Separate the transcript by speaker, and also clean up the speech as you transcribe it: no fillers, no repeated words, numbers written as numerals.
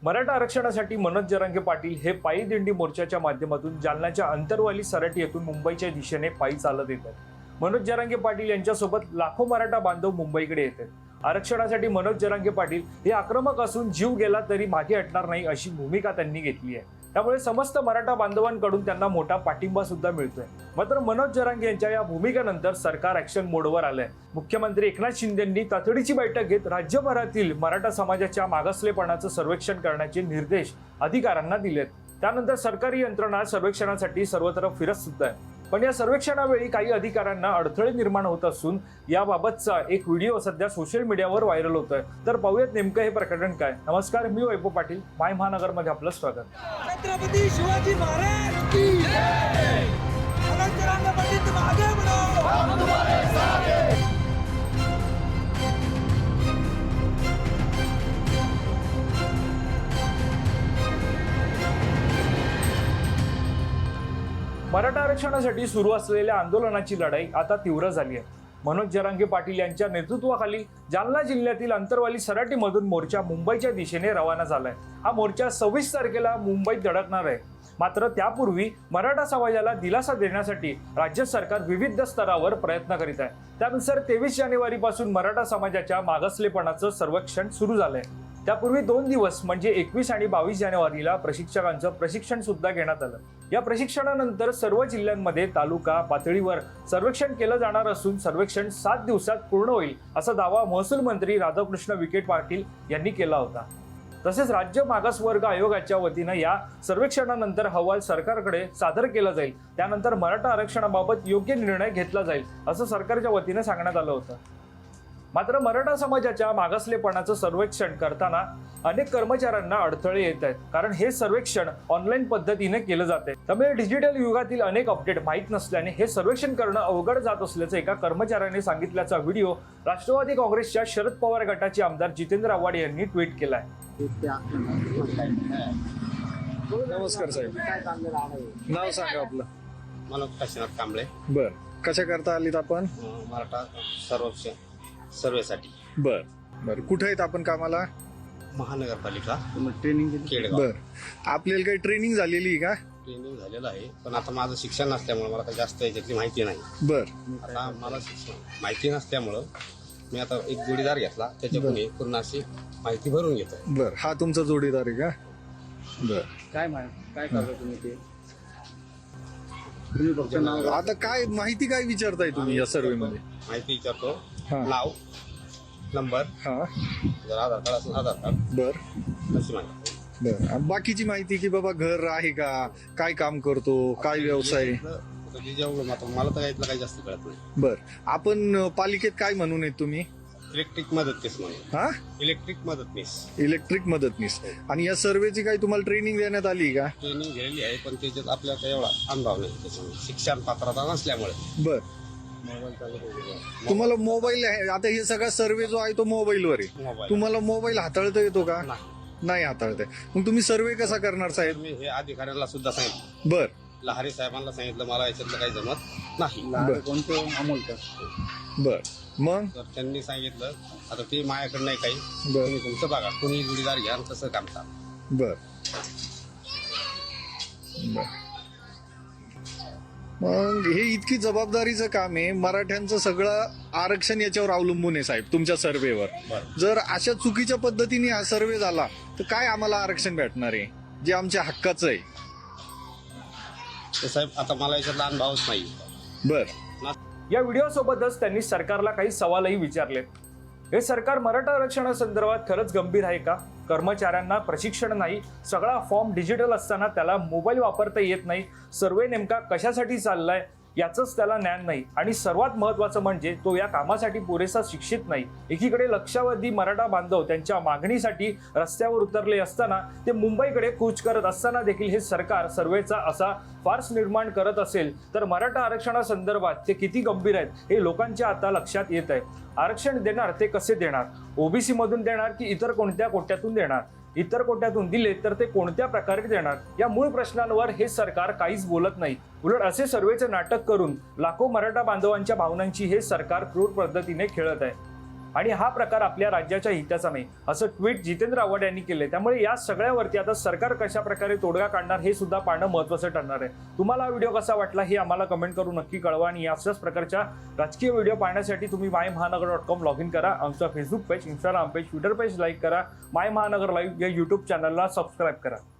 Speaker 1: मराठा आरक्षणासाठी मनोज जरांगे पाटील हे पायी दिंडी मोर्चाच्या माध्यमातून जालन्याच्या अंतरवाली सराटी येथून मुंबईच्या दिशेने पायी चालत येत आहेत। मनोज जरांगे पाटील यांच्यासोबत लाखो मराठा बांधव मुंबईकडे येत आहेत। आरक्षणासाठी मनोज जरांगे पाटील हे आक्रमक असून जीव गेला तरी मागे हटणार नाही अशी भूमिका त्यांनी घेतली आहे। त्यामुळे समस्त मराठा बांधवांकडून त्यांना मोठा पाठिंबा सुद्धा मिळतोय। मात्र मनोज जरांगे यांच्या या भूमिकेनंतर सरकार ऍक्शन मोडवर आलंय। मुख्यमंत्री एकनाथ शिंदेंनी तातडीची बैठक घेत राज्यभरातील मराठा समाजाच्या मागासलेपणाचं सर्वेक्षण करण्याचे निर्देश अधिकाऱ्यांना दिलेत। त्यानंतर सरकारी यंत्रणा सर्वेक्षणासाठी सर्वत्र फिरत सुद्धा आहे। पण या सर्वेक्षणावेळी काही अधिकाऱ्यांना अडथळे निर्माण होत असून याबाबतचा एक व्हिडिओ सध्या सोशल मीडियावर व्हायरल होतोय। तर पाहूयात नेमकं हे प्रकरण काय। नमस्कार, मी वैभव पाटील, माय महानगरमध्ये आपलं स्वागत।
Speaker 2: छत्रपती शिवाजी महाराज की जय। मनोज जरांगे पाटील तुम आगे बढ़ो, हम तुम्हारे साथ हैं।
Speaker 1: मराठा आरक्षणासाठी सुरू असलेल्या आंदोलनाची लढाई आता तीव्र झाली आहे। मनोज जरांगे पाटील यांच्या नेतृत्वाखाली जालना जिल्ह्यातील अंतरवाली सराटीमधून मोर्चा मुंबईच्या दिशेने रवाना झालाय। हा मोर्चा 26 तारखेला मुंबईत धडकणार आहे। मात्र त्यापूर्वी मराठा समाजाला दिलासा देण्यासाठी राज्य सरकार विविध स्तरावर प्रयत्न करीत आहे। त्यानुसार 23 जानेवारीपासून मराठा समाजाच्या मागासलेपणाचं सर्वेक्षण सुरू झालंय। त्यापूर्वी 2 दिवस म्हणजे 21 आणि 22 जानेवारीला प्रशिक्षकांचं प्रशिक्षण सुद्धा घेण्यात आलं। या प्रशिक्षणानंतर सर्व जिल्ह्यांमध्ये तालुका पातळीवर सर्वेक्षण केलं जाणार असून सर्वेक्षण 7 दिवसात पूर्ण होईल असा दावा महसूल मंत्री राधाकृष्ण विखे पाटील यांनी केला होता। तसेच राज्य मागासवर्ग आयोगाच्या वतीनं या सर्वेक्षणानंतर अहवाल सरकारकडे सादर केला जाईल। त्यानंतर मराठा आरक्षणाबाबत योग्य निर्णय घेतला जाईल असं सरकारच्या वतीनं सांगण्यात आलं होतं। मात्र मराठा समाजाच्या मागासलेपणाचं सर्वेक्षण करताना अनेक कर्मचाऱ्यांना अडथळे येत आहेत, कारण हे सर्वेक्षण ऑनलाईन पद्धतीने केलं जाते। त्यामुळे डिजिटल युगातील अनेक अपडेट माहीत नसल्याने हे सर्वेक्षण करणं अवघड जात असल्याचं एका कर्मचाऱ्याने सांगितल्याचा व्हिडिओ राष्ट्रवादी काँग्रेसच्या शरद पवार गटाचे आमदार जितेंद्र आव्हाड यांनी ट्विट केलाय।
Speaker 3: नमस्कार साहेब, नाव सांगा आपलं?
Speaker 4: मनोज काशीनाथ कांबळे।
Speaker 3: बर, कशा करता आलीत आपण?
Speaker 4: मराठा सर्वेक्षण सर्वेसाठी।
Speaker 3: बर बर, कुठे आहेत आपण कामाला?
Speaker 4: महानगरपालिका ट्रेनिंग केडगाव।
Speaker 3: बर, आपल्याला काही ट्रेनिंग झालेली आहे का?
Speaker 4: ट्रेनिंग झालेलं आहे, पण आता माझं शिक्षण नसल्यामुळे मला काही जास्त याच्यातली माहिती नाही।
Speaker 3: बर,
Speaker 4: आता मला माहिती नसल्यामुळं मी आता एक जोडीदार घेतला, त्याच्याकडून पूर्ण अशी माहिती भरून घेतो।
Speaker 3: बर, हा तुमचा जोडीदार आहे का? बर,
Speaker 4: काय करता तुम्ही ते?
Speaker 3: आता काय माहिती काय विचारताय तुम्ही या सर्वे मध्ये?
Speaker 4: माहिती विचारतो,
Speaker 3: हा.
Speaker 4: नाव, नंबर,
Speaker 3: हा,
Speaker 4: जर आधार कार्ड असेल आधार कार्ड,
Speaker 3: बर
Speaker 4: अशी माहिती।
Speaker 3: बर, आणि बाकीची माहिती की बाबा घर आहे का, काय काम करतो, काय व्यवसाय?
Speaker 4: मला तर यातलं काही जास्त कळत नाही।
Speaker 3: बर, आपण पालिकेत काय म्हणून आहेत तुम्ही?
Speaker 4: इलेक्ट्रिक मदतनीस म्हणून।
Speaker 3: हा,
Speaker 4: इलेक्ट्रिक मदतनीस।
Speaker 3: इलेक्ट्रिक मदतनीस। आणि या सर्वेची काही तुम्हाला ट्रेनिंग देण्यात आली का?
Speaker 4: ट्रेनिंग घेतलेली आहे, पण त्याच्यात आपल्याला काही एवढा अनुभव नाही, त्याच्यामुळे शिक्षण पात्रता नसल्यामुळे।
Speaker 3: बर, तुम्हाला मोबाईल आहे, आता हे सगळा सर्वे जो आहे तो मोबाईलवर आहे,
Speaker 4: मोबाईल
Speaker 3: तुम्हाला मोबाईल हाताळता येतो का? नाही हाताळता येत। मग तुम्ही सर्वे कसा करणार साहेब?
Speaker 4: मी हे अधिकाऱ्यांना सुद्धा सांगितलं,
Speaker 3: बर,
Speaker 4: लहारी साहेबांना सांगितलं, मला याच्यातलं काही जमत नाही।
Speaker 3: बर.
Speaker 4: कोणतं अमोल
Speaker 3: बर, मग
Speaker 4: तर त्यांनी सांगितलं, आता ते माझ्याकडे नाही काही,
Speaker 3: बर.
Speaker 4: तुम्ही तुमचं बघा, कुणी जोडीदार घ्या आणि तसं काम करा।
Speaker 3: बर बर, मग हे इतकी जबाबदारीचं काम आहे, मराठ्यांचं सगळं आरक्षण याच्यावर अवलंबून आहे साहेब, तुमच्या सर्वेवर।
Speaker 4: बरं.
Speaker 3: जर अशा चुकीच्या पद्धतीने हा सर्वे झाला तर काय आम्हाला आरक्षण भेटणार आहे जे आमच्या हक्काचं आहे?
Speaker 4: तर साहेब, आता मला याच्यातला अनुभवच नाही।
Speaker 3: बर,
Speaker 1: या व्हिडिओसोबतच त्यांनी सरकारला काही सवालही विचारले। हे सरकार मराठा आरक्षणासंदर्भात खरंच गंभीर आहे का? कर्मचाऱ्यांना प्रशिक्षण नाही, सगळा फॉर्म डिजिटल असताना त्याला मोबाईल वापरता येत नाही, सर्वे नेमका कशासाठी चाललाय याचंच त्याला ज्ञान नाही, आणि सर्वात महत्त्वाचं म्हणजे तो या कामासाठी पुरेसा शिक्षित नाही। एकीकडे लक्षावधी मराठा बांधव त्यांच्या मागणीसाठी रस्त्यावर उतरले असताना, ते मुंबईकडे कूच करत असताना देखील हे सरकार सर्वेचा असा फार्स निर्माण करत असेल तर मराठा आरक्षणासंदर्भात ते किती गंभीर आहेत हे लोकांच्या आता लक्षात येत आहे। आरक्षण देणार ते कसे देणार? ओबीसी मधून देणार की इतर कोणत्या कोट्यातून देणार? इतर कोट्यातून दिले तर ते कोणत्या प्रकारे देणार? या मूळ प्रश्नांवर हे सरकार काहीच बोलत नाही। उलट असे सर्वेचे नाटक करून लाखो मराठा बांधवांच्या भावनांची हे सरकार क्रूर पद्धतीने खेळत आहे। आणि हा प्रकार आपल्या राज्याच्या हिताचा नाही असं ट्विट जितेंद्र आव्हाड यांनी केले. त्यामुळे या सगळ्यावरती आता सरकार कशा प्रकारे तोडगा काढणार हे सुद्धा पाहणं महत्त्वाचं ठरणार आहे. तुम्हाला हा व्हिडिओ कसा वाटला हे आम्हाला कमेंट करून नक्की कळवा आणि अशाच प्रकारच्या राजकीय व्हिडिओ पाहण्यासाठी तुम्ही मायमहानगर.com लॉग इन करा. आमचा Facebook page, Instagram page, Twitter page like करा. माय महानगर लाईव्ह या यूट्यूब चॅनलला सबस्क्राईब करा.